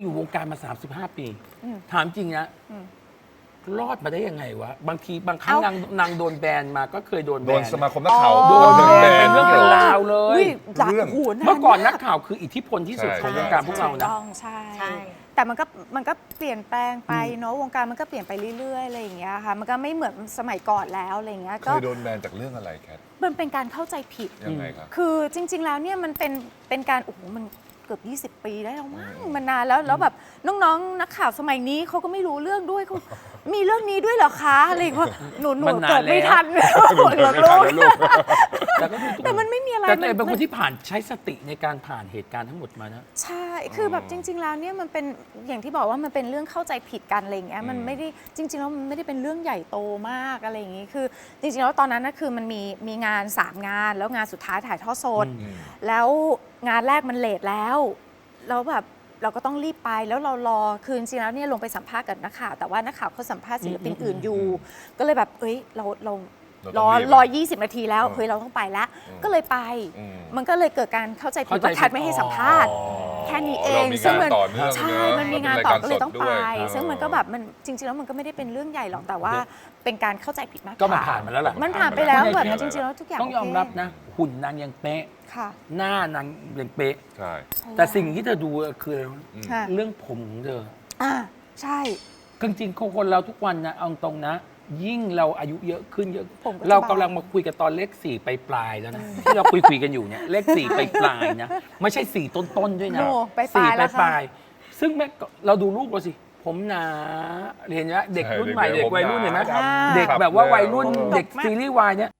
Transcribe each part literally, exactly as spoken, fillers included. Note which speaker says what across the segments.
Speaker 1: อยู่วงการมาสามสิบห้าปีถามจริงนะรอดมาได้ยังไงวะบางทีบางครั้งนางนางโดนแบนมาก็เคยโดนแบน
Speaker 2: โดนสมาคมนักข่าว
Speaker 1: โดน
Speaker 2: โดน
Speaker 1: แบ
Speaker 2: แบ
Speaker 1: น
Speaker 2: น
Speaker 1: เป็นเรื่องเป็นราวเลย
Speaker 3: เรื่อง
Speaker 1: เมื่อก่อนนักข่าวคืออิทธิพลที่สุดของวงการพวกเรานะ
Speaker 3: ต้องใช่
Speaker 4: ใช่
Speaker 3: แต่มันก็มันก็เปลี่ยนแปลงไปเนาะวงการมันก็เปลี่ยนไปเรื่อยๆอะไรอย่างเงี้ยค่ะมันก็ไม่เหมือนสมัยก่อนแล้วอะไรอย่างเงี้ย
Speaker 2: เค
Speaker 3: ก็
Speaker 2: ยโดนแบนจากเรื่องอะไรแคท
Speaker 3: มันเป็นการเข้าใจผิด
Speaker 2: ยังไงครับ
Speaker 3: คือจริง ๆ แล้วเนี่ยมันเป็นเป็นการโอ้โหมันเกือบยี่สิบ ปีได้แล้วมั้งมันนานแล้วแล้วแบบน้องๆนักข่าวสมัยนี้เขาก็ไม่รู้เรื่องด้วยเขามีเรื่องนี้ด้วยเหรอคะอะไรอย่างเงี้ยหนูหนู
Speaker 1: มันนาน
Speaker 3: เกิดไม่
Speaker 1: แล้ว
Speaker 3: ทันหนูเกิดลูก
Speaker 1: แต่ก็ดู
Speaker 3: แต่มันไม่มีอะไร
Speaker 1: แต่ตัวเอง
Speaker 3: มั
Speaker 1: เป็นคนที่ผ่านใช้สติในการผ่านเหตุการณ์ทั้งหมดมานะ
Speaker 3: ใช่ คือแบบจริง ๆ แล้วเนี่ยมันเป็นอย่างที่บอกว่ามันเป็นเรื่องเข้าใจผิดกันอะไรอย่างเงี้ย มันไม่ได้จริง ๆ แล้วมันไม่ได้เป็นเรื่องใหญ่โตมากอะไรอย่างงี้ คือจริง ๆ แล้วตอนนั้นนะคือมันมีมีงานสามงานแล้วงานสุดท้ายถ่ายทอดสด แล้วงานแรกมันเลทแล้ว แล้วแบบเราก็ต้องรีบไปแล้วเรารอคือจริงๆแล้วเนี่ยลงไปสัมภาษณ์กับนักข่าวแต่ว่านักข่าวเขาสัมภาษณ์ศิลปินอื่นอยู่ ก็เลยแบบเอ้ยเราเรารอรอยี่สิบนาทีแล้วเฮ้ยเราต้องไปแล้ว ก็เลยไป มันก็เลยเกิดการเข้าใจผิดว่าแคทไม่ให้สัมภาษณ์แค่นี้เองซึ่งมันใช่มันมีงานต่อก็เลยต้องไป ซึ่งมันก็แบบมันจริงๆแล้วมันก็ไม่ได้เป็นเรื่องใหญ่หรอกแต่ว่าเป็นการเข้าใจผิดมากกว่า
Speaker 1: ก็มันผ่านมาแล้วล่ะ
Speaker 3: มันผ่านไปแล้วแบบจริงๆแล้วทุกอย่าง
Speaker 1: ต้องยอมรับนะ หุ่นนางยังเป๊ะ
Speaker 3: ค่ะ
Speaker 1: หน้านางยังเป๊ะ
Speaker 2: ใช่
Speaker 1: แต่สิ่งที่เธอดูคืออะไรรู้ไหม
Speaker 3: ค่ะ
Speaker 1: เรื่องผมของเธอ
Speaker 3: อ่าใช่
Speaker 1: จริงๆคนเราทุกวันนะเอาตรงนะ ยิ่งเราอายุเยอะขึ้นเยอะ
Speaker 3: ผมก็จะ
Speaker 1: เรากำลังมาคุยกันตอนเลขสี่ไปปลายๆแล้วนะ ที่เราคุยคุยๆกันอยู่เนี่ยเลขสี่ไปปลายๆนะไม่ใช่สี่ต้นๆด้วยนะ
Speaker 3: โอ้ไปป
Speaker 1: สี่
Speaker 3: ลาย
Speaker 1: ไป
Speaker 3: แล้ว
Speaker 1: ป
Speaker 3: ค่ะ
Speaker 1: ลายๆซึ่งแม่ก็เราดูรูปเราสิ ผมหนาเห็นไหมเด็กรุ่นใหม่เด็กวัยรุ่นเห็นไหมเด็กแบบว่าวัยรุ่นเด็กซีรีส์วายเนี่ย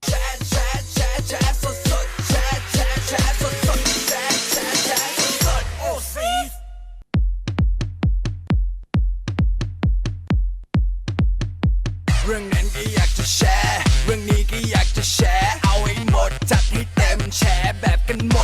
Speaker 5: เรื่องนั้นก็อยากจะแชร์ เรื่องนี้ก็อยากจะแชร์ เอาให้หมดจัดให้เต็มแชร์แบบกันหมด